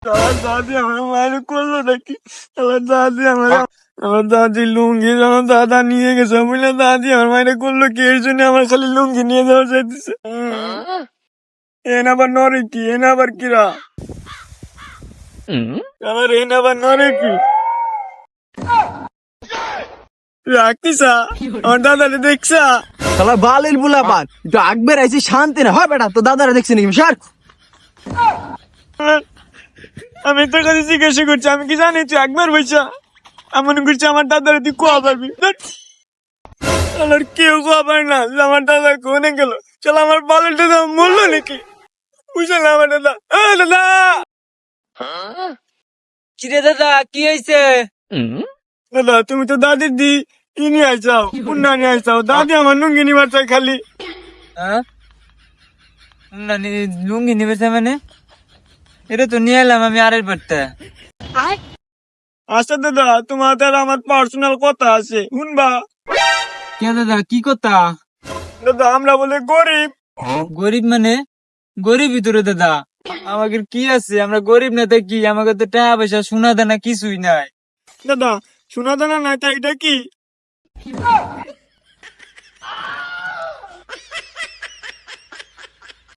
আমার দাদি আমার মায়ের করলো নাকি? আমার দাদি লুঙ্গি আমার দাদা নিয়ে গেছে বুঝলে, দাদি আমার মায়ের করলো কি? এর জন্য আমার খালি লুঙ্গি নিয়ে যাওয়া চাইতেছে। এন আবার নরে কি? এন আবার কিরা? আমার এন আবার নরে কি? রাখিসা আমার দাদারে দেখছা? শালা বালের বুলা পান একটু আগ বেড়াইছি শান্তি না হয় বেটা, তো দাদারা দেখছি নাকি সার। আমি তোর কাছে জিজ্ঞাসা করছি, আমি কি জানি তুই একবার বইসা এমন করছি আমার দাদারে তুই কোয়া পারবি? আর কেউ কোয়া পারে না যে আমার দাদা কোনে গেল। চল আমার বালের দাদা মরলো নাকি? বুঝলে না আমার দাদা? দাদা কিরে দাদা কি হয়েছে? দাদা তুমি তো দাদির দি ই নিয়ে আইসাও, পুন্না নিয়ে আইসাও। দাদি আমার লুঙ্গি নিবার চাই খালি। লুঙ্গি নিবে মানে এটা তো নিয়ে এলাম আমি আরের বাড়তে। আচ্ছা দাদা, তোমার দ্বারা আমার পার্সোনাল কথা আছে, শুনবা? কে দাদা কি কথা? দাদা আমরা বলে গরিব। গরিব মানে? গরিব ভিতরে দাদা আমাদের কি আছে? আমরা গরিব না কি? আমাকে তো টাকা পয়সা সোনা দানা কিছুই নাই। দাদা শোনা দানা নাই তা এটা কি?